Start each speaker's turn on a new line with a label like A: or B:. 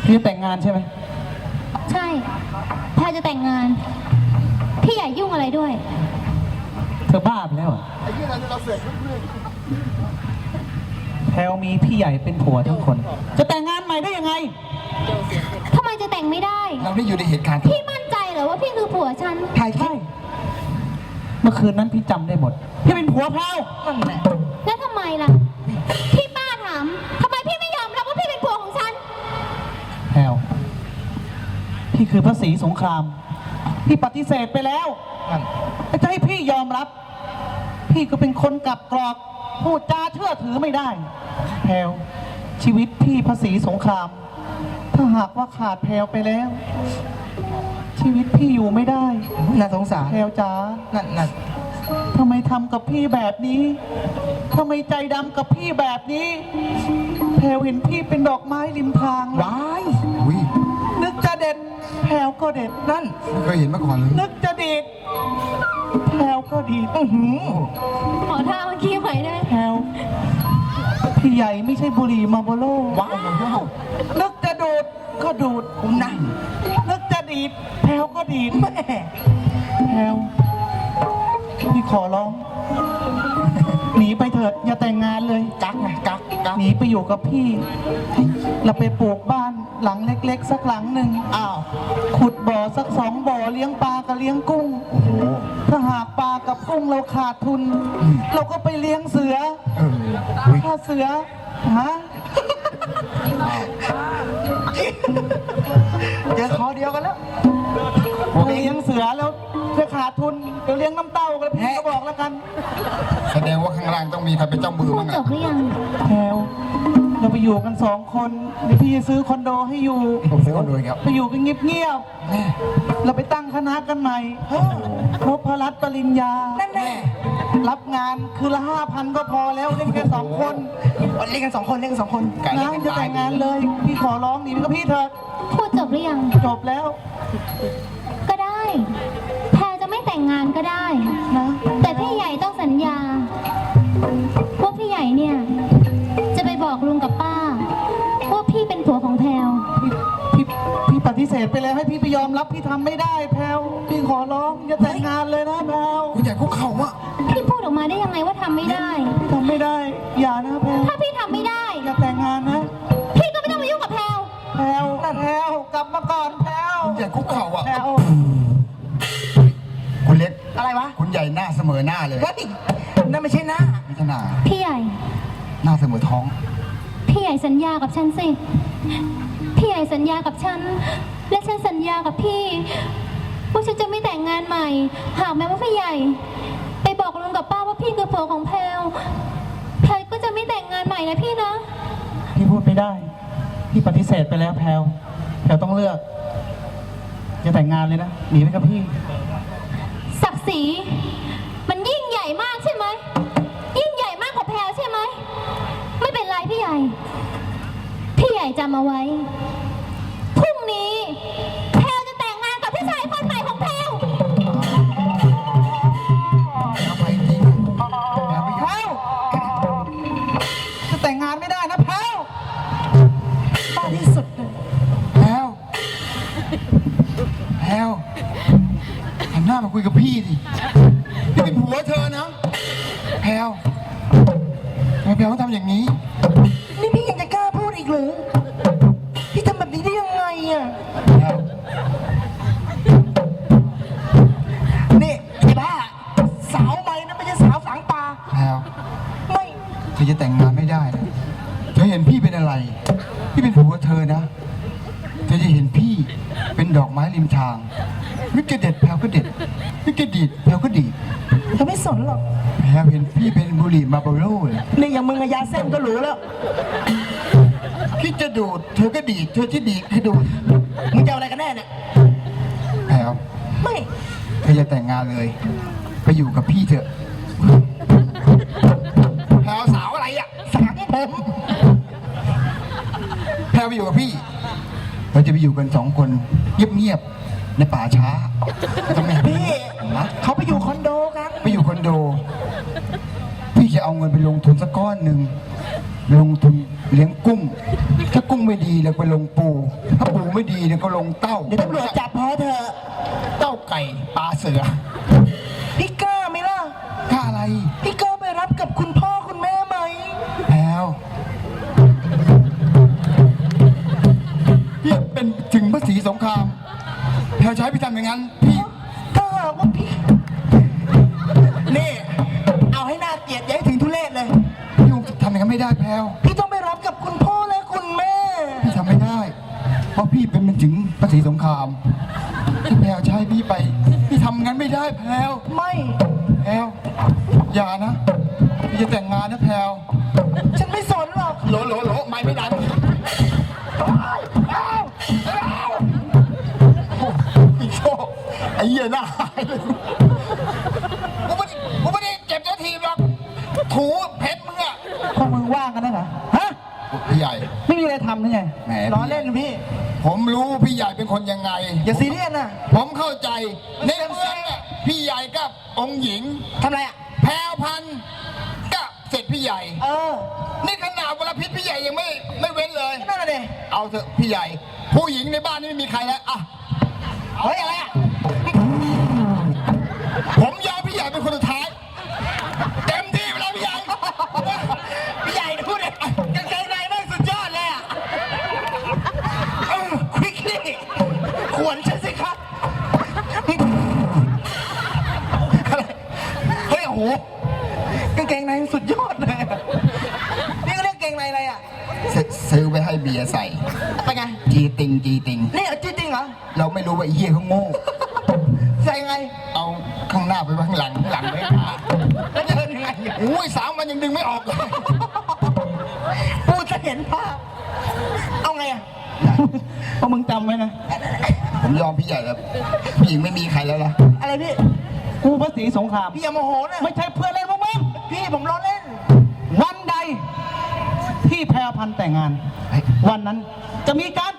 A: พี่จะแต่งงานใช่ไหม
B: ใช่แพรจะแต่งงานพี่อย่ายุ่งอะไรด้วย
A: เธอบ้าไปแล้วเหรอแพลวมีพี่ใหญ่เป็นผัวทั้งคนจะแต่งงานใหม่ได้ยังไง
B: ทำไมจะแต่งไม่ได้
C: เราได้อยู่ในเหตุการณ์
B: พี่มั่นใจเหรอว่าพี่คือผัวฉัน
A: ใช่เมื่อคืนนั้นพี่จำได้หมดพี่เป็นผัวแพลวนั่นแหละ
B: แล้วทำไมล่ะพี่ป้าถามทำไมพี่ไม่ยอมรับว่าพี่เป็นผัวของฉัน
A: แพลวพี่คือพระศรีสงครามพี่ปฏิเสธไปแล้วจะให้พี่ยอมรับพี่ก็เป็นคนกลับกรอกพูดจาเชื่อถือไม่ได้แพลวชีวิตพี่พระศรีสงครามถ้าหากว่าขาดแพลวไปแล้วชีวิตพี่อยู่ไม่ได้
C: น่าสงสาร
A: แพลวจ๋า
C: นั่น
A: ทำไมทำกับพี่แบบนี้ทำไมใจดำกับพี่แบบนี้แพลวเห็นพี่เป็นดอกไม้ริมทาง
C: ว้ายอุ้ย
A: นึกจะเด็ดแพลวก็เด็ดนั่น
C: ไม่เคยเห็นมาก่อนเลย
A: นึกจะดีดแพลวก็ดีด
B: ขอท่าเมื่อกี้หน่อยได้
A: แพลวพี่ใหญ่ไม่ใช่บุหรี่มาร์โบโล่
C: ว้าว
A: นึกจะดูดก็ดูด
C: นั่น
A: นึกจะดีดแพลวก็ดีดแม่แพลวพี่ขอร้องหนีไปเถิดอย่าแต่งงานเลย
C: กัก
A: หนีไปอยู่กับพี่เราไปปลูกบ้านหลังเล็กๆสักหลังหนึ่งขุดบ่อสัก2 บ่อเลี้ยงปลากับเลี้ยงกุ้งถ้าหากปลากับกุ้งเราขาดทุนเราก็ไปเลี้ยงเสือถ้าเสือฮะ
C: เจอคอเดียวกันแล้ว
A: เลี้ยงเสือแล้วจะขาดทุนเดี๋ยวเลี้ยงน้ำเต้ากันพี่ก็บอกแล้วกัน
C: แสดงว่าข้างล่างต้องมีใครเป็นเจ้ามือ
B: มั้งจบหรือยัง
A: แพลวเราไปอยู่กัน2 คนเดี๋ยวพี่จะซื้อคอนโดให้อยู่
C: ผมซื้อคอนโดครับ
A: ไปอยู่กันเงียบๆเราไปตั้งคณะกันใหม่นพรัตน์ปริญญา
C: นั่นแน่
A: รับงานคือละ5,000ก็พอแล้วเล่นแค่2 คน
C: เล่นกัน2 คน
A: นะจะแต่งงานเลยพี่ขอร้องหนีไปกับพี่เถอะ
B: พูดจบหรือยัง
A: จบแล้ว
B: ก็ได้แพรจะไม่แต่งงานก็ได้นะแต่พี่ใหญ่ต้องสัญญาว่าพี่ใหญ่เนี่ยจะไปบอกลุงกับป้าว่าพี่เป็นผัวของแพร
A: พี่ปฏิเสธไปแล้วให้พี่ไปยอมรับพี่ทำไม่ได้แพลวพี่ขอร้องอย่าแต่งงานเลยนะแพลว
C: คุณใหญ่คุกเข่าอะ
B: พี่พูดออกมาได้ยังไงว่าทำไม่ได้
A: พี่ทำไม่ได้อย่านะแพลว
B: ถ้าพี่ทำไม่ได้
A: อย่าแต่งงานนะ
B: พี่ก็ไม่ต้องมายุ่งกับแพลว
A: กลับมาก่อนแพลว
C: คุณใหญ่คุกเข่าอะ
A: แพลว
C: คุณเล็ก
A: อะไรวะ
C: คุณใหญ่หน้าเสมอหน้าเลย
A: นั่นไม่ใช่หน้า
C: ไม่ใช่หน้า
B: พี่ใหญ่
C: หน้าเสมอท้อง
B: พี่ใหญ่สัญญากับฉันสิพี่ใหญ่สัญญากับฉันและฉันสัญญากับพี่ว่าฉันจะไม่แต่งงานใหม่หากแม้ว่าพี่ใหญ่ไปบอกลุงกับป้าว่าพี่คือผัวของแพลวก็จะไม่แต่งงานใหม่นะพี่นะ
A: พี่พูดไม่ได้พี่ปฏิเสธไปแล้วแพลวต้องเลือกจะแต่งงานเลยนะหนีไปกับพี่
B: ศักดิ์ศรีมันยิ่งใหญ่มากใช่ไหมยิ่งใหญ่มากกว่าแพลวใช่ไหมไม่เป็นไรพี่ใหญ่จำเอาไว้พรุ่งนี้แพลวจะแต่งงานกับพี่ชายคนใหม่ของแพลว
A: จะแต่งงานไม่ได้นะแพลวบ้าที่สุดเลย
C: แพลวหันหน้ามาคุยกับพี่ดิพี่เป็นผัวเธอนะแพลวทำไมแพลวต้องทำอย่างนี้
A: นี่พี่ยังจะกล้าพูดอีกหรือพี่ทำแบบนี้ได้ยังไงอ่ะนี่ไอ้บ้าสาวใหม่นะไม่ใช่สาวฝังปลา
C: แพลว
A: ไม่
C: เธอจะแต่งงานไม่ได้นะเธอเห็นพี่เป็นอะไรพี่เป็นผัวเธอนะเธอจะเห็นพี่เป็นดอกไม้ริมทางนึกจะเด็ดแพลวก็เด็ดนึกจะดีดแพลวก็ดีด
A: เธอไม่สนหรอก
C: แพลวเห็นพี่เป็นบุหรี่มาร์โบโล่เลย
A: นี่อย่างมึงยาเส้นก็รู้แล้ว
C: คิดจะดูดเธอก็ดีดเธอที่ดีดให้ดูด
A: มึงจะเอาอะไรกันแน่เนี่ย
C: แพลว
A: ไม่
C: เธอจะแต่งงานเลยไปอยู่กับพี่เถอะแพลวสาวอะไรอ่ะ
A: สาวผม
C: แพลวไปอยู่กับพี่เราจะไปอยู่กัน2 คนเงียบๆในป่าช้า
A: ทำไมพี่เขาไปอยู่คอนโดกัน
C: ไปอยู่คอนโดพี่จะเอาเงินไปลงทุนสักก้อนหนึ่งลงทุนเลี้ยงกุ้ง ถ้ากุ้งไม่ดีแล้วไปลงปู ถ้าปูไม่ดีเนี่ยก็ลงเต้า
A: เดี๋ยวตำรวจจับพอเถอะ
C: เต้าไก่ปลาเสือ
A: พี่กล้าไหมล่ะ
C: กล้าอะไร
A: พี่กล้าไปรับกับคุณพ่อคุณแม่ไหม
C: แพลวพี่เป็นถึงพระศรีสงครามแพลวใช้พี่ทำอย่างนั้นพี่
A: ถ้าหากว่าพี่ นี่ เอาให้น่าเกลียดอย่าให้ถึงทุเรศเลย
C: พี่ทำอย่างนั้นไม่ได้แพลว
A: พี่ต้องไปรับกับคุณพ่อและคุณแม่
C: พี่ทำไม่ได้ เพราะพี่เป็นถึงพระศรีสงครามที่แพลวใช้พี่ไป พี่ทำงั้นไม่ได้แพลว
A: ไม่
C: แพลวอย่านะพี่จะแต่งงานนะแพลว
A: ฉันไม่สนหรอก
C: โหลไม่ดังอีโชไอ้เหี้ยหน้าหายเลยกูไม่ได้เก็บเจ้าทีมหรอกถูเพชรมึงอะ
A: พวกมึงว่างกันนะเหรอฮะ
C: พี่ใหญ่
A: ไม่มีอะไรทำหรือไง
C: แหม
A: ล้อเล่นพี่
C: ผมรู้พี่ใหญ่เป็นคนยังไง
A: อย่าซีเรียสนะ
C: ผมเข้าใจในเมืองเนี่ยพี่ใหญ่กับองค์หญิง
A: ทำไรอ่ะ
C: แพรวพันธุ์กับเสร็จพี่ใหญ่
A: เออ
C: นี่ขนาดวรพิษพี่ใหญ่ยังไม่เว้นเลย
A: นั่นน่ะดิ
C: เอาเถอะพี่ใหญ่ ผู้หญิงในบ้านนี่ไม่มีใครแล้วอ่ะ
A: เฮ้ยอะไรอ่ะ
C: ผมยอมพี่ใหญ่เป็นคนสุดท้ายเต็มที่ไปแล้วพี่ใหญ่
A: พี่ใหญ่พูดเลยกางเกงในแม่งสุดยอดเลยอ่ะควิกนี่ขวนฉันสิครับอะไรเฮ้ยโอ้โหกางเกงในสุดยอดเลยอะนี่ก็เรียกกางเกงในอะไรอ่ะ
C: ซื้อไปให้เบียร์ใส่
A: เป็นไง
C: จีติง
A: นี่เอาจริงๆเหรอ
C: เราไม่รู้ว่าไอ้เหี้ยเขาโง่
A: ใส่ไง
C: เอาข้างหน้าไปไว้ข้างหลังข้างหลังไว้ข้างหน้า
A: แล้วเดินยังไง
C: อุ้ย3 วันยังดึงไม่ออกเลย
A: พูดจะเห็นภาพเอาไงอ่ะพอมึงจำไว้นะ
C: ผมยอมพี่ใหญ่แล้วผู้หญิงไม่มีใครแล้วล่ะ
A: อะไรพี่
D: กูพระศรีสงคราม
A: พี่อย่าโมโหนะ
D: ไม่ใช่เพื่อนเล่นพวกมึง
A: พี่ผมล้อเล่น
D: วันใดที่แพรพันธุ์แต่งงาน วันนั้นจะมีการ